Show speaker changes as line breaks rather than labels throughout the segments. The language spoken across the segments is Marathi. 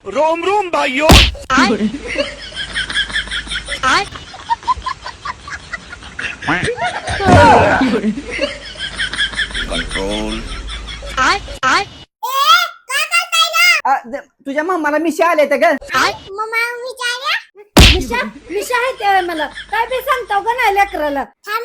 रोम रोम भाइयों। कंट्रोल।
तुझ्या मामाला मिशी आले तर ग
मिशा मिशा आहे ते मला काय बी सांगताव का नाही लेकराला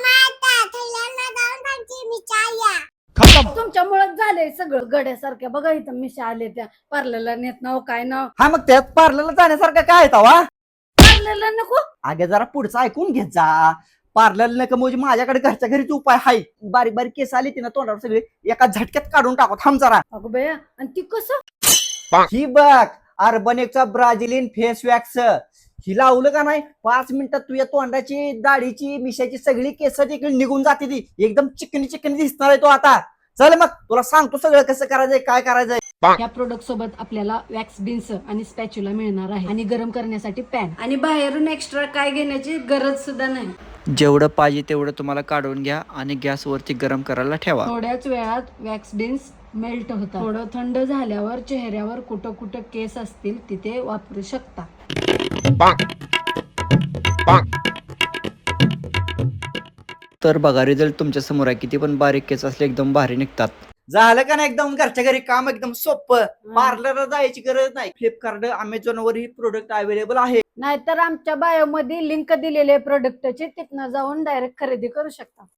तुमच्यामुळे झालंय सगळं गड्यासारख्या बघा इथं मिशा आले त्या पार्लरला नेत नाव काय नाव
हा मग त्यात पार्लरला जाण्यासारखं काय तवा
पार्लरला नको
अगे जरा पुढचं ऐकून घेत जा. पार्लर नका म्हणजे माझ्याकडे घरच्या घरीच उपाय आहे. बारीक बारीक केस आली ती ना तोंडावर सगळे एका झटक्यात काढून टाकू. थांब जरा.
अगं बया आणि ती कसं
ही बघ अर्बनेकचा ब्राझिलियन फेस वॅक्स ही लावलं का नाही 5 मिनिटात तुझ्या तोंडाची दाढीची मिशाची सगळी केस तिकडे निघून जाते. ती एकदम चिकनी चिकनी दिसणार आहे तो आता. चल मग तुला सांगतो सगळं कसं करायचंय काय करायचंय.
या प्रोडक्ट सोबत आपल्याला वॅक्स बिन्स आणि स्पॅच्युला मिळणार आहे आणि गरम करण्यासाठी पॅन आणि बाहेरून एक्स्ट्रा काय घेण्याची गरज सुद्धा नाही.
जेवढं पाहिजे तेवढं तुम्हाला काढून घ्या आणि गॅसवरती गरम करायला ठेवा.
थोड्याच वेळात वॅक्स बिन्स मेल्ट होतात. थोडं थंड झाल्यावर चेहऱ्यावर कुठं कुठं केस असतील तिथे वापरू शकता.
तर बघा रिझल्ट तुमच्या समोर आहे. किती पण बारीक केस असले एकदम भारी निघतात.
झालं का नाही एकदम घरच्या घरी काम एकदम सोपं. पार्लरला जायची गरज नाही. फ्लिपकार्ट अमेझॉन वर ही प्रोडक्ट अवेलेबल आहे.
नाहीतर आमच्या बायो मध्ये लिंक दिलेली आहे प्रोडक्टची तिथनं जाऊन डायरेक्ट खरेदी करू शकता.